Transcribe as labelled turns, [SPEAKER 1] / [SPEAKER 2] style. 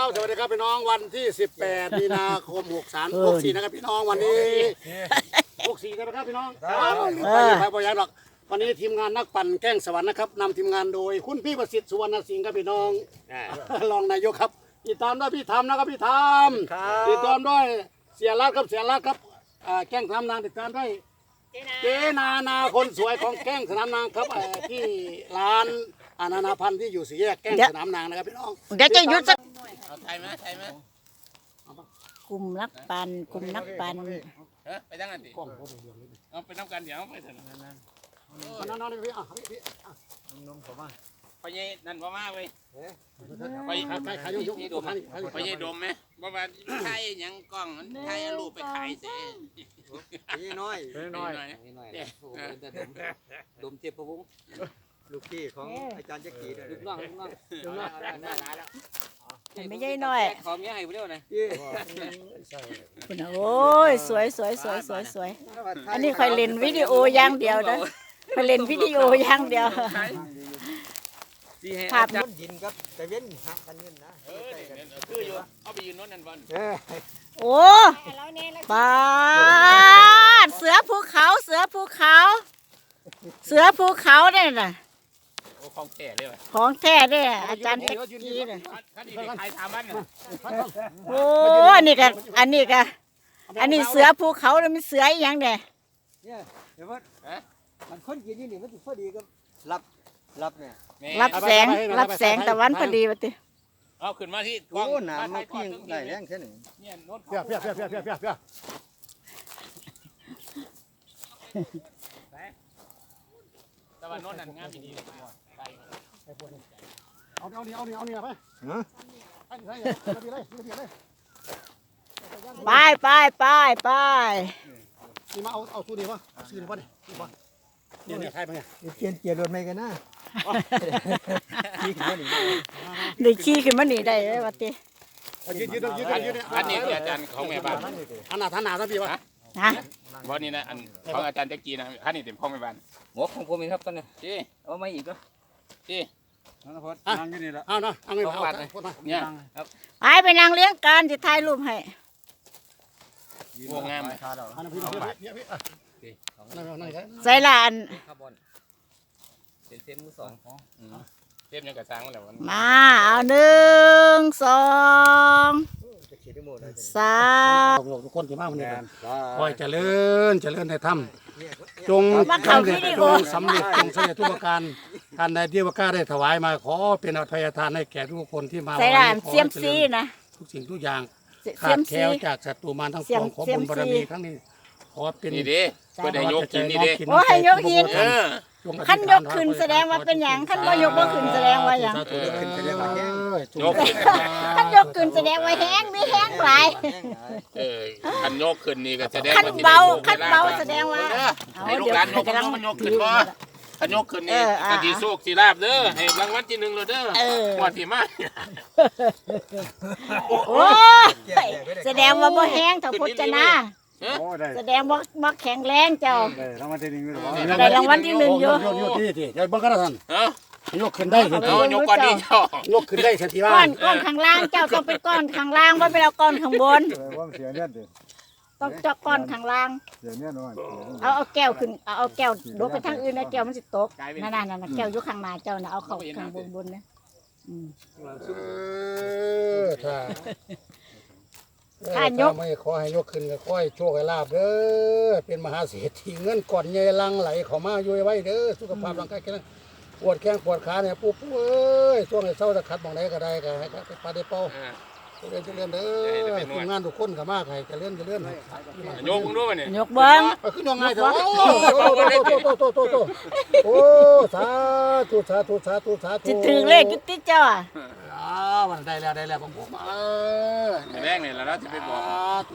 [SPEAKER 1] สวัสดีครับพี่น้องวันที่18 มีนาคม63 64นะครับพี่น้องวันนี้64นะครับพี่น้องไปพยานหรอกวันนี้ทีมงานนักปั่นแก้งสวรรค์นะครับนำทีมงานโดยคุณพี่ประสิทธิ์สุวรรณสิงห์ครับพี่น้องรองนายกครับติดตามด้วยพี่ธรรมนะครับพี่ธรรมติดตามด้วยเสียรัตครับเสียรัตครับแก้งสนามนางติดตามด้วยเจนาคนสวยของแก้งสนามนางครับที่ร้านนานาพันธุ์ที่อยู่สี่แยกแก้งสนามนางนะครับพี่น้อง
[SPEAKER 2] เดี๋ยวจะหยุดสัก
[SPEAKER 3] ใช่ไหม
[SPEAKER 2] กลุ่มนักปั่นกลุ่มนักปั่น
[SPEAKER 3] ไปตั้งกันดิเอาไปน้ำกันเดี๋ยวไปถึงนั่น
[SPEAKER 1] นั่นพี่พี่
[SPEAKER 3] นมผมมาไปยัยนั่นว่ามาไป
[SPEAKER 1] ขายยุ่ง
[SPEAKER 3] ไปยัยดมไหมว่ามาไทยยังกล้องไทยรูปไปขายเสี
[SPEAKER 4] ยน้อย
[SPEAKER 3] ดมเจ็บพะวุ้ง
[SPEAKER 4] ลูกพี่ของอาจารย์จักรี
[SPEAKER 3] ลูกน้อง
[SPEAKER 2] ไม่ใช่น้อย
[SPEAKER 3] ขอเมียให้ไปเร็วหน่อย
[SPEAKER 2] คุณโอ้ยสวยอันนี้คอยเล่นวิดีโออย่างเดียวนะคอยเล่นวิดีโออย่างเดียว
[SPEAKER 4] ภาพยินครับแต่เว้นหักกันยืนนะ
[SPEAKER 3] คืออยู่เอาไปยืนโน้นนั่นบอล
[SPEAKER 2] โอ้ปาดเสือภูเขาเนี่ยนะ
[SPEAKER 3] ของแท้เลย
[SPEAKER 2] ของแท้เนี่ยอาจารย์ตะกี้เนี่ยโอ้อันนี้เสือภูเขาเลยมันเสืออย่างเนี่ย
[SPEAKER 4] เดี๋ยวมันคนกินนี่มันพอดีก็รับเนี่ย
[SPEAKER 2] รับแสงตะวันพอดีวะติ
[SPEAKER 3] เอาขึ้นมาที่
[SPEAKER 4] โอ้หนามมาพิ้งได้แรงแค่ไหน
[SPEAKER 3] เนี่ยโน้ต
[SPEAKER 1] เพี้ย
[SPEAKER 3] แต่ว่าโน้ตนั่นงามดี
[SPEAKER 1] เอาเนี่ยไป
[SPEAKER 2] ไป
[SPEAKER 1] นี่มาเอาสู้ดีวะซื้อดีวะเนี่ยใครมาเนี่ย
[SPEAKER 4] เกียร์รถไม่กันนะ
[SPEAKER 2] ได้ขี่ขึ้นมาหนีได้ไหมวะติ
[SPEAKER 1] ยืด
[SPEAKER 3] อันนี้อาจารย์ของแม่บ้าน
[SPEAKER 1] ท่านหนาซะพี่วะ
[SPEAKER 2] ฮะ
[SPEAKER 3] วันนี้นะอันของอาจารย์จักรีนะท่านนี่เต็มของแม่บ้านหัวของผมเองครับตอนนี้จีเอาไม่อีกก็จี
[SPEAKER 4] นั่งอยู่นี่ละ
[SPEAKER 1] เอาเงินเอา
[SPEAKER 3] เนี่ย
[SPEAKER 2] ไปนั่งเลี้ยงกันจะถ่ายรูปให้
[SPEAKER 3] วงงาม
[SPEAKER 2] ใส่ละอัน
[SPEAKER 3] เต็มมือสองเต็มยังกระซังแล้ว
[SPEAKER 2] มาเอา1 2 3
[SPEAKER 1] ทุกคนที่มาวันนี้คอยเจริญในธรรมจงสำเร็จทุกประการท่านใดที่ว่าข้าได้ถวายมาขอเป็นอภัยทานให้แก่ทุกคนที่มา
[SPEAKER 2] ใส่ละเสียมซีนะ
[SPEAKER 1] ทุกสิ่งทุกอย่างขาดแคล้วจากศัตรูมารทั้งปวงขอบุญบารมีครั้งนี้ขอเป็น
[SPEAKER 3] นี่ดิก็ได้ยกกินนี่ดิ
[SPEAKER 2] โอ้ให้ยกหินขั้นยกขึ้นแสดงว่าเป็นอย่างขั้นว่ายกบ่ขึ้นแสดงว่าอย่างขั้นยกขึ้นแสดงว่าแห้งไม่แห้งหลาย
[SPEAKER 3] ขั้นยกขึ้นนี่ก็แสดง
[SPEAKER 2] ขั้นเบาแสดงว่า
[SPEAKER 3] ให้ลูกหลานยกมันยกขึ้นบ่ขันยกขึ้นนี่กะทิโชคสีลาบเด้อให้รางวัลที่1เลยเด้อวันที่มา
[SPEAKER 2] โอ้แสดงว่าบ่แห้งเท่าพจนาแสดงว่าแข็งแรงเจ้า
[SPEAKER 4] ได้รางวัลที่1
[SPEAKER 2] ได้รางวัลที่1อยู่
[SPEAKER 1] ที่ใจบังกันท่านยกขึ้นได้ทันที
[SPEAKER 3] ยกก้อนนี้เจ้าย
[SPEAKER 1] กขึ้นได้ทันทีว่า
[SPEAKER 2] ก้อนข้างล่างเจ้าต้องเป็นก้อนข้างล่างว่าเป็นเอาก้อนข้างบนต้องเจาะก้อนข้างล่างเอาแก้วขึ้นเอาแก้วลงไปทางอื่นนะแก้วมันสิตกนั่นแก้วอยู่ข้างหน้าเจ้านะเอาเข้าข้างบนนะ
[SPEAKER 1] ถ้ายกไม่ขอให้ยกขึ้นก็ขอให้โชคให้ลาบเด้อเป็นมหาเศรษฐีเงินก่อนใหญ่ลังไหลเข้ามาอยู่ไว้เด้อสุขภาพร่างกายแข็งแรงปวดแข้งปวดขาเนี่ยปุ๊บเอ้ยช่วงไหนเศร้าจะขัดมองไหนก็ได้ก็ให้ปลาได้เป้าเลื่อนเด้อทีมงานทุกคนก็มากให้จะเลื่อน
[SPEAKER 3] ยกมึงด้วยเนี่ย
[SPEAKER 2] ยกเบิ้ง
[SPEAKER 1] ขึ้นยังไงเถอะโอ้สาธุ
[SPEAKER 2] จิตถึงเลขจุดที่เจ้า
[SPEAKER 1] มันได้แล้วผม
[SPEAKER 3] แรกเนี่ยแล้วจะไปบอก